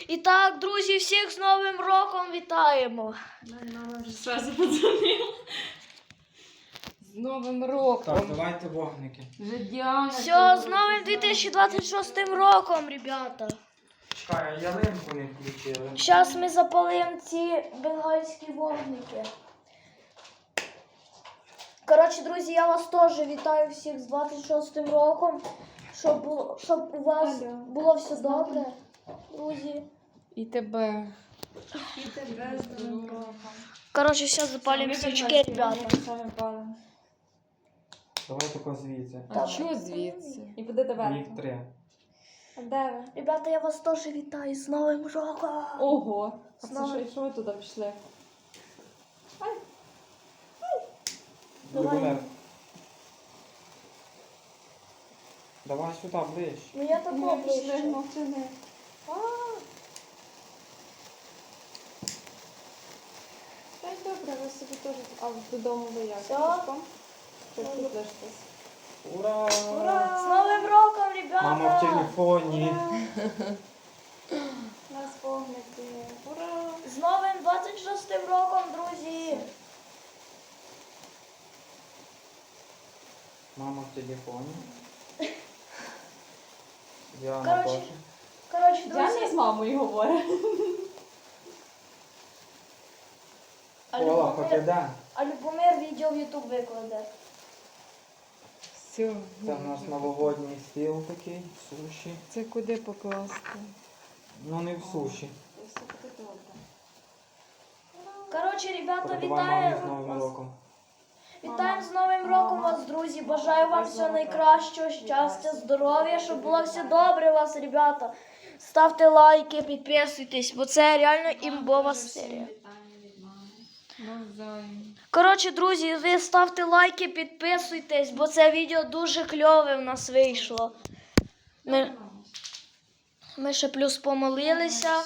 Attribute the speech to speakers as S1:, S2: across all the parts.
S1: І так, друзі, всіх з Новим роком вітаємо.
S2: Мама вже зразу подзвонила. З Новим роком.
S3: Так, давайте вогники.
S2: Вже Діана.
S1: Все, з новим 2026 роком, ребята.
S3: Чекай, а ялинку не включили.
S1: Зараз ми запалимо ці бенгальські вогники. Коротше, друзі, я вас теж вітаю всіх з 26 роком. Щоб у вас було все добре, друзі.
S2: І тебе.
S4: І тебе з Новим роком.
S1: Коротше, зараз запалимо свічки, ребята.
S3: Давай тако звідси.
S2: А що звідси?
S4: І буде доверху.
S3: Їх 3.
S4: А де ви?
S1: Ребята, я вас теж вітаю з Новим роком.
S4: Ого! А це
S1: Знову.
S4: що ви туди пішли?
S1: Давай.
S3: Давай сюди, ближче.
S1: Ну я тако
S4: Пішли,
S1: ближче.
S4: мовчини. Та й добре, ви собі теж. А додому ви як?
S1: Все.
S4: Пішком? Чи тут лишитесь?
S3: Ура!
S1: З Новим роком, ребята!
S3: Мама в телефоні.
S4: У нас вогники. Ура!
S1: З новим 26 роком, друзі!
S3: Мама в телефоні. Діана
S1: Коротше,
S3: теж.
S1: Коротше,
S4: Діана з
S1: друзі,
S4: мамою говорить.
S3: Ола, хоч іде.
S1: А Любомир відео в Ютуб викладе.
S2: Все.
S3: Це в нас новогодній стіл такий, суші.
S2: Це куди покласти?
S3: Ну не в суші.
S4: Все буде добре.
S1: Коротше, ребята,
S3: Передавай мамі з
S1: вітаю
S3: Новим
S1: вас.
S3: роком.
S1: Вітаємо з Новим роком вас, друзі. Бажаю вам всього найкращого, щастя, здоров'я, щоб було все добре у вас, ребята. Ставте лайки, підписуйтесь, бо це реально імбова серія.
S2: Навзаєм.
S1: Коротше, друзі, ви ставте лайки, підписуйтесь, бо це відео дуже кльове в нас вийшло. Ми ще плюс помолилися.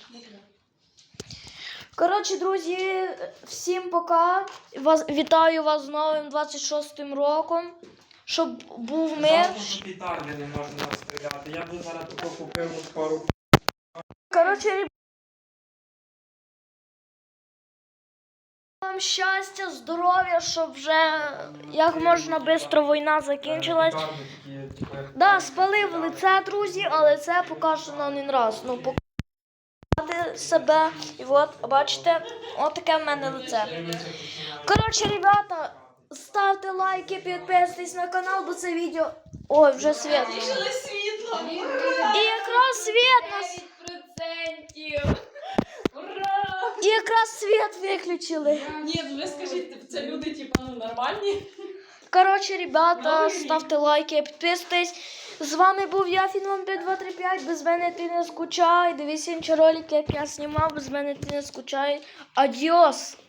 S1: Коротше, друзі, всім пока. Вітаю вас з новим 26-м роком. Щоб був мир.
S3: Жалко, що петарди не можна розстріляти. Я б зараз тако купив пару.
S1: Коротше, вам щастя, здоров'я, щоб вже як можна швидко війна закінчилась.
S3: Петарди такі, типу, як-
S1: Да, спалив лице, друзі, але це поки що на один раз. Ну, показати себе. І от, бачите, от таке в мене лице. Коротше, ребята, ставте лайки, підписуйтесь на канал, бо це відео... Ой, вже світ.
S2: Світло!
S1: І якраз світ нас...
S2: 9%! Ура!
S1: І якраз світ виключили.
S2: Ні, ви скажіть, це люди, типу, ну, нормальні?
S1: Коротше, ребята, ставте лайки, підписуйтесь. З вами був я, Фінман5235. Без мене ти не скучай. Дивись інші ролики, як я знімав. Без мене ти не скучай. Адіос!